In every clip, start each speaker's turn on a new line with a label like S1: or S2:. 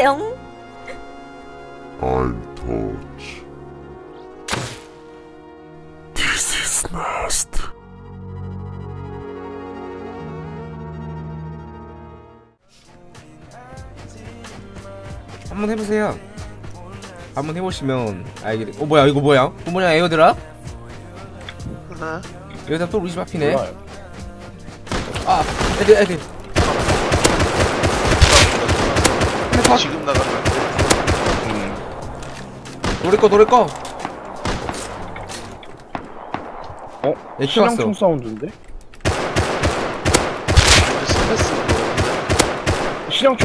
S1: 쎄용.
S2: I'm touch. This is nest.
S3: 한번 해보세요. 한번 해보시면 알게 돼. 뭐야 이거 뭐야? 뭐냐 에어드랍?
S4: 하나?
S3: 에어드랍 또 우리 집 앞이네.
S5: 몰라요.
S3: 아 애들
S4: 지금 나가면
S3: 노래 꺼
S5: 어?
S3: 애
S5: 시장총
S3: 키웠어.
S5: 사운드인데?
S4: 스트레스
S5: 시장총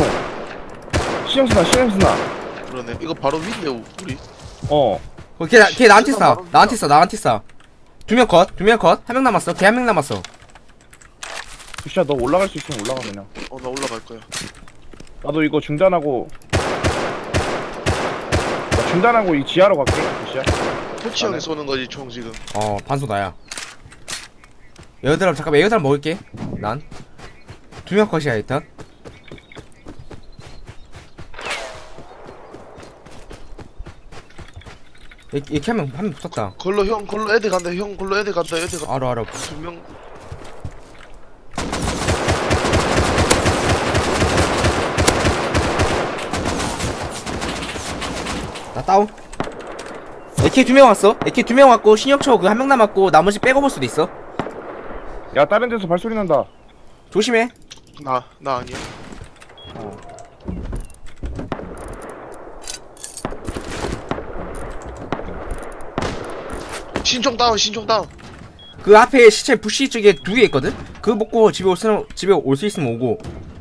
S5: 시장스나
S4: 그러네. 이거 바로 위인데 우리.
S5: 어
S3: 걔 나한테 쏴. 두 명 컷. 한 명 남았어. 걔 한 명 남았어.
S5: 부시야 너 올라갈 수 있으면 올라가 그냥.
S4: 나 올라갈 거야.
S5: 나도 이거 중단하고 나 중단하고 이 지하로 갈게 부시야.
S4: 토치 형이 쏘는 거지 총 지금.
S3: 반소 나야. 에어드랍 잠깐만 에어드랍 먹을게. 난 두 명 컷이야 일단. 이렇게 한 명 붙었다.
S4: 걸로 애들 간다. 형 걸로 애들 간다.
S3: 알아.
S4: 두 명.
S3: 나 다운. AK 2명 왔어. AK 2명 왔고 신혁초 그 한 명 남았고 나머지 빼고 볼 수도 있어.
S5: 야 다른 데서 발소리 난다.
S3: 조심해.
S4: 나 아니야. 신총 다운.
S3: 그 앞에 시체 부시 쪽에 2개 있거든. 그거 먹고 집에 올 수 있으면 오고.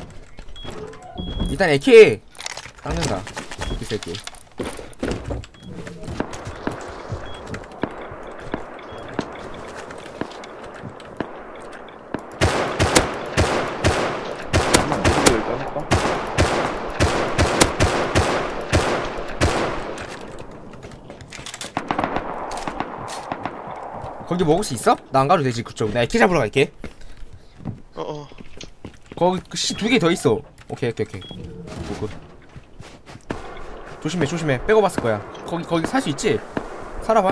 S3: 일단 AK 닦는다. 이 새끼.
S5: 잠깐만 이거 일단 할까?
S3: 거기 먹을 수 있어? 나 안 가도 되지 그쪽. 나 AK 잡으러 갈게. 거기 그 씨 2개 더 있어. 오케이. 굿. 조심해. 빼고 봤을 거야. 거기 살 수 있지? 살아봐.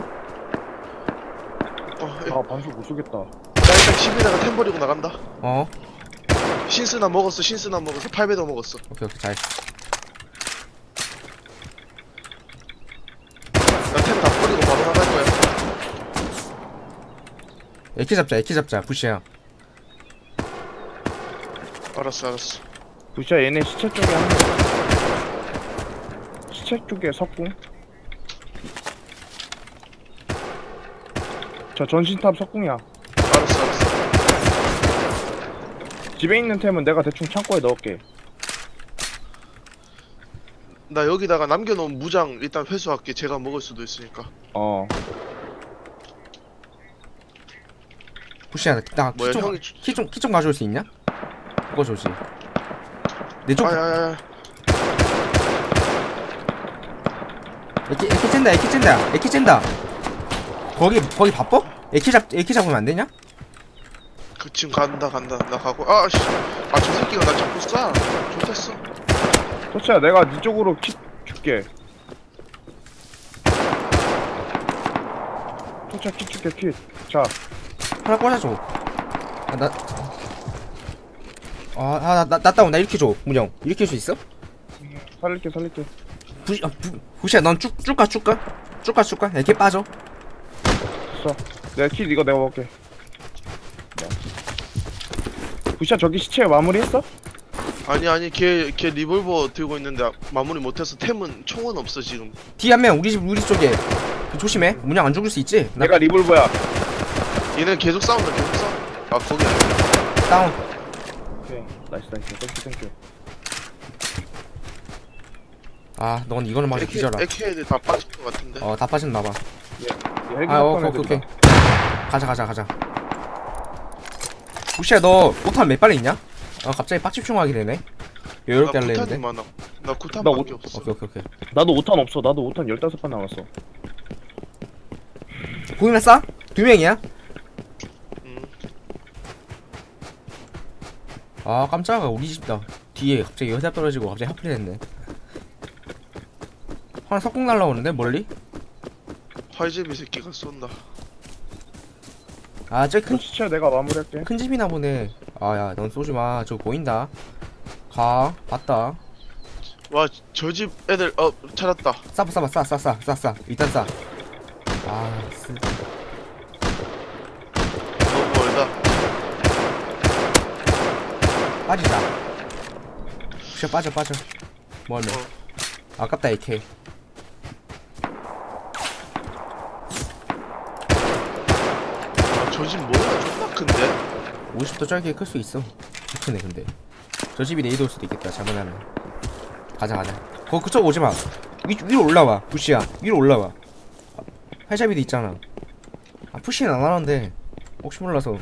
S5: 아 반소 못 쏘겠다.
S4: 나 일단 집에다가 템 버리고 나간다. 신스나 먹었어. 8배도 먹었어.
S3: 오케이 잘했어.
S4: 나 템 다 버리고 바로 나갈 거야.
S3: AK 잡자 부시야.
S4: 알았어.
S5: 부시야 얘네 시체 쪽에 한 명. 시체 쪽에 석궁. 저 전신탑 석궁이야.
S4: 알았어.
S5: 집에 있는 템은 내가 대충 창고에 넣을게.
S4: 나 여기다가 남겨놓은 무장 일단 회수할게. 제가 먹을 수도 있으니까.
S3: 부시야 나
S4: 뭐야, 형이
S3: 키 좀 가져올 수 있냐? 그거 좋지. 내 쪽.
S4: 아야야야.
S3: AK 쨘다. 거기 바빠? AK 잡으면 안 되냐?
S4: 그 지금 간다. 나 가고. 저 새끼가 나 자꾸 쏴. 좋댔어.
S5: 토치야 내가 네 쪽으로 킷 줄게. 토치야 킷 줄게 킷. 자
S3: 하나 꽂아줘. 나 다운. 나 이렇게 줘. 문영 이렇게 할 수 있어?
S5: 살릴게.
S3: 부시야 넌 쭉 가. 이렇게 빠져.
S5: 됐어. 내가 킷 이거 내가 먹을게. 부시야 저기 시체 마무리했어?
S4: 아니 걔 리볼버 들고 있는데 마무리 못해서 총은 없어 지금.
S3: 뒤 한 명 우리 쪽에. 조심해. 문영 안 죽을 수 있지?
S5: 내가 리볼버야.
S4: 얘는 계속 싸운다. 거기 아니야.
S3: 다운.
S5: 오케이 나이스 땡큐.
S3: 넌 이거는 맞아 뒤져라.
S4: AK 애들 다 빠진 것 같은데.
S3: 다 빠졌나봐.
S5: 오케이.
S3: 가자. 부시야 너 포탄 몇 발이 있냐? 갑자기 빡집중하게 되네. 여유롭게 할래
S4: 구탄이
S3: 했는데.
S4: 많아. 나 구탄밖에 없어.
S3: 오케이.
S5: 나도 5탄 없어. 나도 5탄 15발 남았어.
S3: 보이면 싸? 2명이야? 깜짝아 우리 집다. 뒤에 갑자기 여자 떨어지고 갑자기 하필이 됐네. 하나 석궁 날라오는데 멀리?
S4: 활제비 새끼가 쏜다.
S3: 아 저기
S5: 그 시체 내가 마무리할게.
S3: 큰 집이나 보네. 아야 넌 쏘지마. 저거 보인다. 가 봤다.
S4: 와 저 집 애들 찾았다.
S3: 싸 일단 싸. 아
S4: 너무 멀다.
S3: 빠지자. 진짜 빠져 멀면 아깝다 AK.
S4: 저 집 뭐야? 존나 큰데?
S3: 50도 짧게 클 수 있어. 크네 근데 저 집이 네이드 올 수도 있겠다 잘못하면. 가자 그쪽 오지마. 위로 올라와. 부시야 위로 올라와. 팔잡이도 있잖아. 아 푸시는 안 하는데 혹시 몰라서.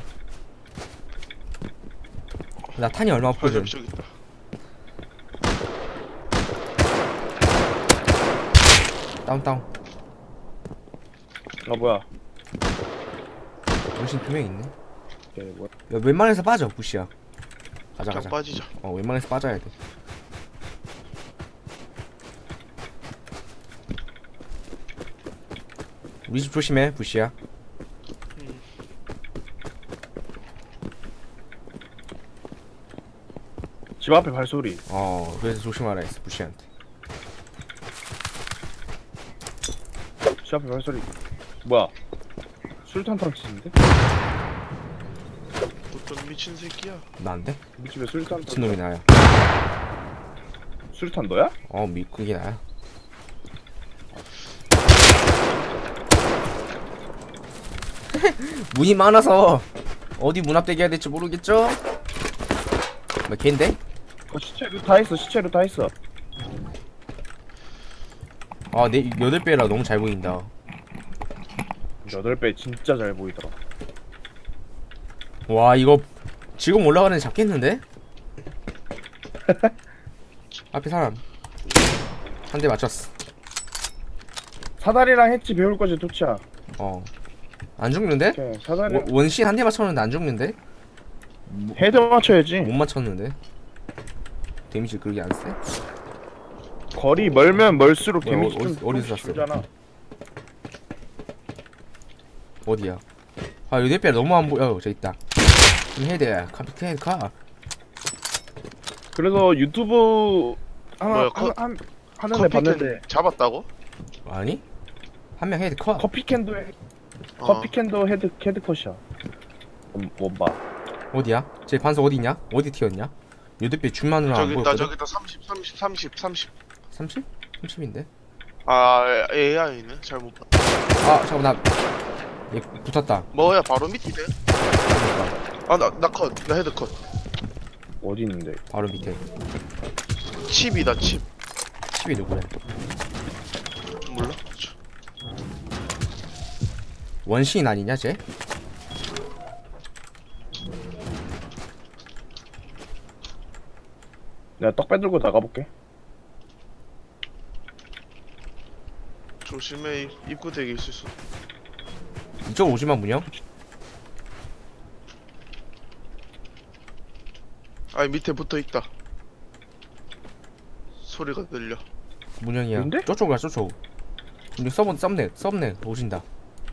S3: 나 탄이 얼마 없거든.
S4: 활제비 저기 있다.
S3: 다운.
S5: 뭐야?
S3: 정신 2명 있네.
S5: 걔 뭐야?
S3: 야, 웬만해서 빠져 부시야. 가자
S4: 그냥 빠지자.
S3: 웬만해서 빠져야 돼. 우리 집 조심해 부시야.
S5: 집 앞에 발소리.
S3: 그래서 조심하라 했어 부시한테.
S5: 집 앞에 발소리. 뭐야? 술탄 탕치는데?
S4: 어떤 미친 새끼야?
S3: 나인데?
S5: 우리 집에 술탄
S3: 미친놈이 나야.
S5: 술탄 너야?
S3: 그게 나야. 문이 많아서 어디 문 앞대기 해야 될지 모르겠죠? 뭐 걔인데?
S5: 시체로 다 있어. 시체로 다 있어.
S3: 내 8배라 너무 잘 보인다.
S5: 8배 진짜 잘 보이더라.
S3: 와 이거 지금 올라가는 애 잡겠는데? 앞에 사람 한 대 맞췄어.
S5: 사다리랑 했지 배울 거지 도치야.
S3: 안 죽는데?
S5: 오케이, 사다리
S3: 원신 한 대 맞췄는데 안 죽는데?
S5: 헤드 맞춰야지.
S3: 못 맞췄는데? 데미지 그렇게 안 세?
S5: 거리 멀면 멀수록
S3: 뭐야,
S5: 데미지 좀
S3: 어디서 쐈어?
S5: 줄잖아.
S3: 어디야? 아 여덟 배 너무 안 보여. 저기 있다. 헤드 카.
S5: 그래서 유튜브
S4: 뭐야,
S5: 하는 애 봤는데
S4: 잡았다고?
S3: 아니? 한 명 헤드 컷.
S5: 커피캔도 헤드 컷이야. 원바.
S3: 어디야? 제 반석 어디 있냐? 어디 튀었냐? 여덟 배 줄만으로 안
S4: 저기 있다
S3: 보였거든?
S4: 저기 있다 30
S3: 30? 30인데?
S4: AI네 잘못 봤다.
S3: 잠깐만 얘 붙었다.
S4: 뭐야 바로 밑이네. 나 헤드 컷.
S5: 어디 있는데?
S3: 바로 밑에.
S4: 칩이다 칩.
S3: 칩이 누구야?
S4: 몰라?
S3: 원시인 아니냐 쟤?
S5: 내가 떡 빼들고 나가볼게.
S4: 조심해 입구 대기 있을 수.
S3: 이쪽 오지마 문영?
S4: 아니 밑에 붙어 있다. 소리가 들려.
S3: 문영이야.
S5: 뭔데?
S3: 저쪽 가 저쪽. 문영 썸네 오신다.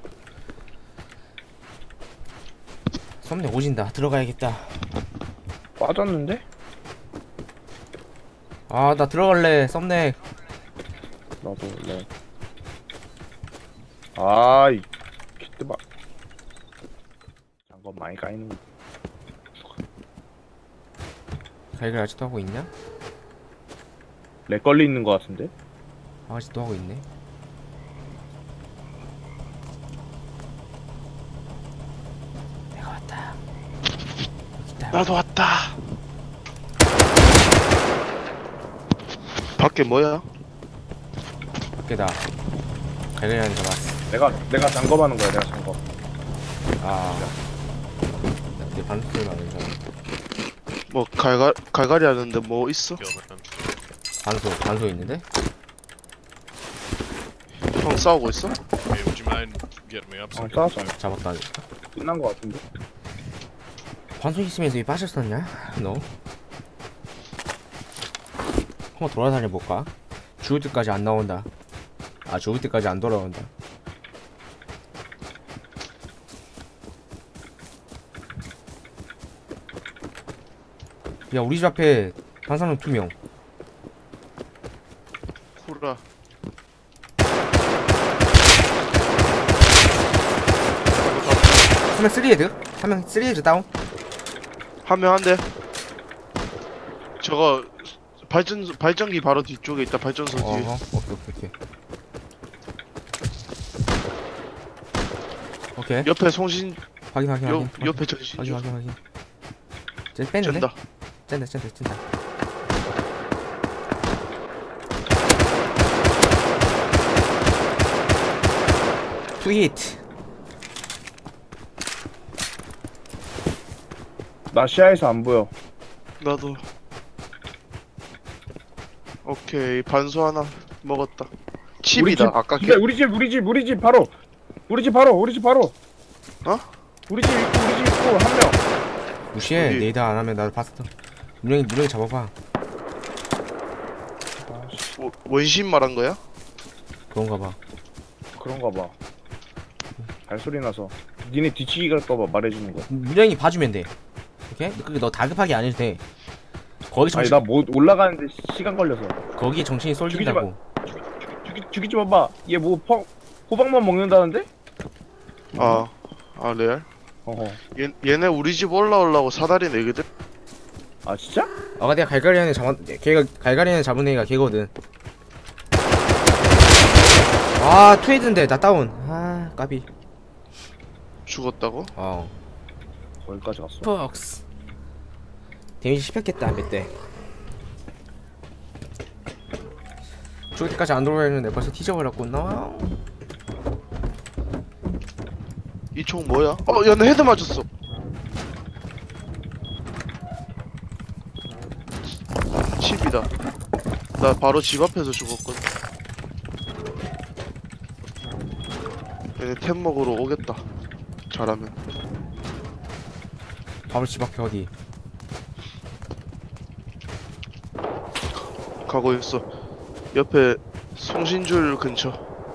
S3: 썸네 오신다. 들어가야겠다.
S5: 빠졌는데?
S3: 나 들어갈래. 썸네.
S5: 나도 원래. 아이 기트바. 장건 많이 까이는.
S3: 갈갈 아직도 하고 있냐?
S5: 렉 걸리 있는 거 같은데?
S3: 아직도 하고 있네. 내가 왔다. 여기다.
S4: 나도 왔다. 밖에 뭐야?
S3: 밖에다. 갈갈이 잡았어.
S5: 내가 장검하는 거야. 내가 장검.
S3: 내 반스를 막는 사람.
S4: 뭐 갈갈이 하는데 뭐 있어?
S3: 반소 있는데?
S4: 형 싸우고 있어?
S1: Okay, would you mind getting me up?
S5: 싸웠어.
S3: 잡았다.
S5: 끝난 거 같은데?
S3: 반소 있으면서 왜 빠졌었냐? 너? 한번 돌아다녀 볼까? 죽을 때까지 안 나온다. 아 죽을 때까지 안 돌아온다. 야 우리 집 앞에 반사능 2명.
S4: 후라.
S3: 한 명 3헤드? 한 명 3헤드 다운?
S4: 한 명 한대. 저거 발전기 바로 뒤쪽에 있다. 발전소 뒤에.
S3: 어허 오케이. 오케이
S4: 옆에 송신
S3: 확인
S4: 옆에 전신.
S3: 확인 쟤 뺐는데?
S4: 쩐다.
S3: 짠다 투 히트.
S5: 나 시야에서 안 보여.
S4: 나도. 오케이 반소 하나 먹었다. 칩이다. 아까
S5: 근데 우리 집 바로. 우리 집 바로.
S4: 어?
S5: 우리 집 있고 한 명.
S3: 무시해.
S4: 어디?
S3: 네이더 안 하면 나도 봤어. 문영이 잡아봐.
S4: 원신 말한 거야?
S3: 그런가 봐.
S5: 그런가 봐. 발소리 나서. 니네 뒤치기 갈까봐 말해주는 거야.
S3: 문영이 봐주면 돼. 오케이? 그게 너 다급하게 안 해도 돼. 거기
S5: 아니
S3: 정신
S5: 나 못 올라가는데 시간 걸려서.
S3: 거기 정신이 쏠린다고.
S5: 죽이지 마봐. 얘 뭐 호박만 먹는다는데?
S4: 아 레알?
S5: 어허.
S4: 얘네 우리 집 올라오려고 사다리 내거든?
S5: 아 진짜?
S3: 아까 내가 갈가리안에 걔가 갈가리안에 잡은 애가 걔거든. 아 투헤드인데 나 다운. 아 까비.
S4: 죽었다고?
S5: 거기까지 갔어.
S3: 퍽스. 데미지 씹혔겠다 몇 대. 죽을 때까지 안 돌아야 했는데 벌써 뒤져버렸구나.
S4: 이 총 뭐야? 얘네 헤드 맞았어. 칩이다. 나 바로 집 앞에서 죽었거든. 얘네 템 먹으러 오겠다. 잘하면.
S3: 바로 집 앞에 어디?
S4: 가고 있어. 옆에 송신줄 근처.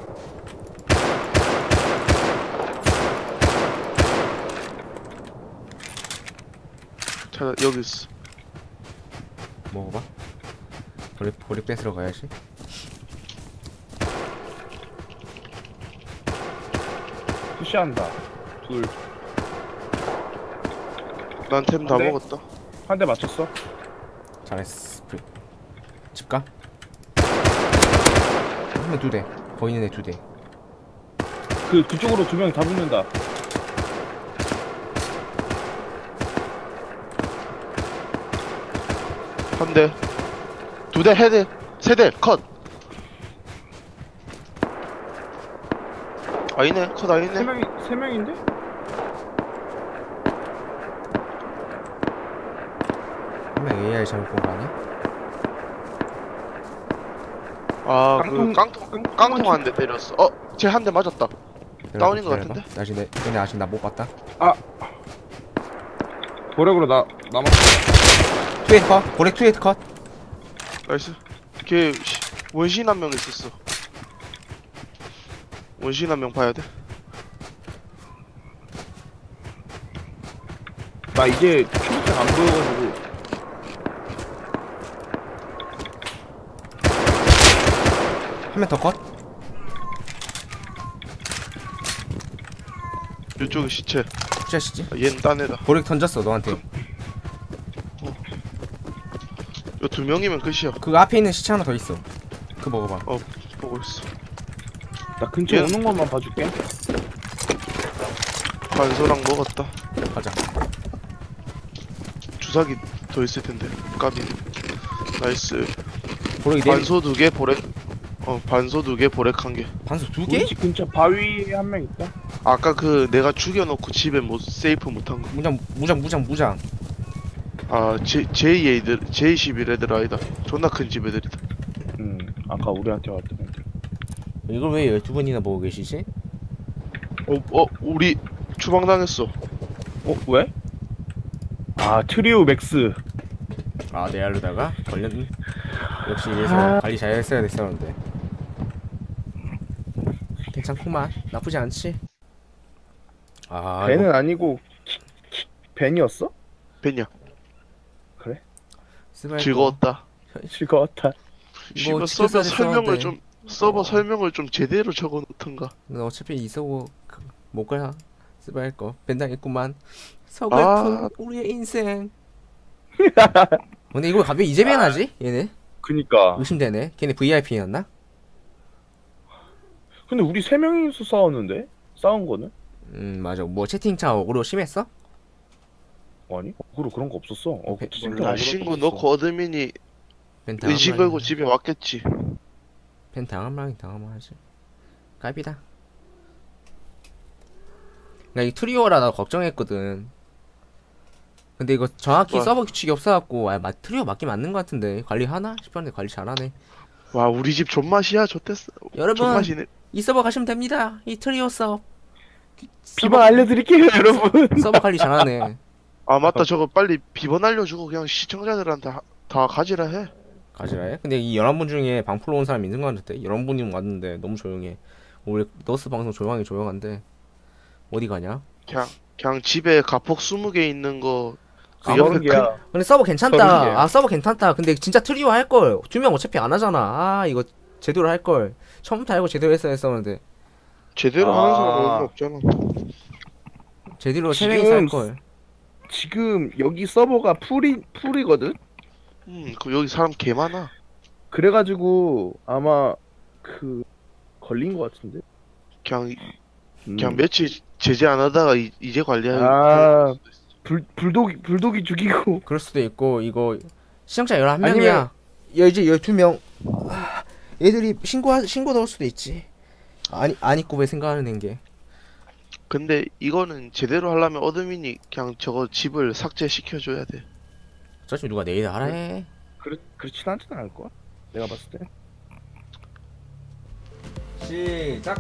S4: 여기 있어.
S3: 먹어봐. 보리 뺏으러 가야지.
S5: 푸시한다. 둘.
S4: 난 템 다
S5: 안 돼?
S4: 먹었다.
S5: 한 대 맞췄어.
S3: 잘했어. 집 가? 한명 2대. 보이는 애 2대.
S5: 그쪽으로 2명 다 붙는다.
S4: 한 대. 2대 헤드. 3대 컷. 아니네. 컷 아니네.
S5: 세 명인데?
S3: 한 명 AI 잘못 본 거 아니야?
S4: 아, 깡통 한 대 때렸어. 쟤 한 대 맞았다. 다운인 것 같은데?
S3: 얘네 아직 나 못 봤다.
S5: 보렉으로 남았어.
S3: 투헤드 컷. 보렉 투헤드 컷.
S4: 나이스. 걔 원신 한 명 있었어. 원신 한 명 봐야 돼.
S5: 나 이제 초록색 안 보여가지고.
S3: 한 명 더 컷.
S4: 이쪽에 시체.
S3: 푸시하시지.
S4: 얘는 딴 애다.
S3: 보렉 던졌어 너한테.
S4: 요 2명이면 끝이야.
S3: 그 앞에 있는 시체 하나 더 있어. 그거 먹어봐.
S4: 보고 있어.
S5: 나 근처
S4: 얘-
S5: 오는 것만 봐줄게.
S4: 반소랑 먹었다.
S3: 가자.
S4: 주사기 더 있을 텐데. 까비. 나이스.
S3: 보렉이 네.
S4: 반소 2개 보렉. 반소 2개 보렉 1개.
S3: 반수 2개?
S5: 우리 집 근처 바위에 한 명 있다.
S4: 아까 그 내가 죽여놓고 집에 못 세이프 못한 거.
S3: 무장.
S4: 아 J11 애들 아니다. 존나 큰 집 애들이다.
S5: 아까 우리한테 왔던 애들.
S3: 이걸 왜 12번이나 보고 계시지?
S4: 우리 추방 당했어.
S5: 왜? 트리오 맥스.
S3: 아 네알로다가 걸렸니? 역시 이래서 관리 잘 했어야 됐었는데. 괜찮구만. 나쁘지 않지. 아
S5: 벤은
S3: 이거
S5: 아니고 벤이었어?
S4: 벤이야.
S5: 그래?
S3: 스바이거.
S4: 즐거웠다.
S5: 즐거웠다.
S3: 이거
S4: 씨발
S3: 지켰어야
S4: 서버 설명을 좀 제대로 적어 놓던가.
S3: 어차피 이 서버 못 가야 스바이거 벤당했구만. 서글픈 우리의 인생. 근데 이걸 갑자기 이제 벤하지? 얘네
S5: 그니까.
S3: 의심되네. 걔네 VIP였나?
S5: 근데 우리 3명이서 싸웠는데? 싸운 거는?
S3: 맞아. 뭐 채팅창 어그로 심했어?
S5: 아니? 어그로 그런 거 없었어. 진짜
S4: 몰라,
S5: 어그로
S4: 신고
S5: 없었어.
S4: 넣고 어드민이
S3: 벤 당한
S4: 의지 걸고 집에 왔겠지.
S3: 벤 당하면 하지. 깔비다. 나 이 트리오라 나 걱정했거든. 근데 이거 정확히
S4: 와.
S3: 서버 규칙이 없어갖고 트리오 맞긴 맞는 것 같은데 관리하나 싶었는데 관리 잘하네.
S4: 와, 우리 집 존맛이야. 좋댔어.
S3: 여러분
S4: 존맛이네.
S3: 이 서버 가시면 됩니다. 이 트리오 서버
S5: 비번 알려드릴게요 여러분.
S3: 서버 관리 잘하네.
S4: 아, 맞다. 저거 빨리 비번 알려주고 그냥 시청자들한테 다 가지라 해.
S3: 가지라 해? 근데 이 11분 중에 방풀로 온 사람 있는 것 같은데 11분이 왔는데 너무 조용해. 원래 너스 방송 조용한데 어디 가냐?
S4: 그냥 집에 가폭 20개 있는 거. 그
S3: 아,
S4: 옆에
S5: 야
S3: 근데 서버 괜찮다.
S5: 30개.
S3: 아 서버 괜찮다. 근데 진짜 트리오 할걸. 2명 어차피 안 하잖아. 아 이거 제대로 할걸. 처음부터 알고 제대로 했었는데
S4: 제대로 하는 사람 없잖아.
S3: 제대로
S5: 지금
S3: 3명이서 할걸.
S5: 지금 여기 서버가 풀이거든?
S4: 그 여기 사람 개 많아.
S5: 그래가지고 아마 걸린 것 같은데?
S4: 그냥 며칠 제재 안 하다가 이제 관리하고.
S5: 아 불독이 죽이고.
S3: 그럴 수도 있고 이거 시청자 11명이야.
S5: 아니면-
S3: 이제 12명. 얘들이 신고 넣을 수도 있지. 안 입고 왜 생각하는 게.
S4: 근데 이거는 제대로 하려면 어드민이 그냥 저거 집을 삭제시켜줘야 돼.
S3: 어차피 누가 내일 알아 해.
S5: 그렇진 않진 않을걸? 내가 봤을 때.
S3: 시작.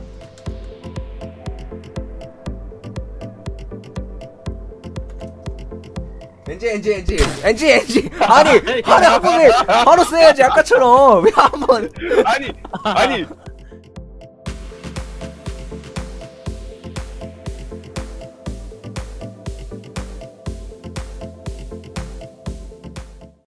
S3: 엔지 아니 하루 한 번에 바로 써야지 아까처럼 왜 한 번.
S5: 아니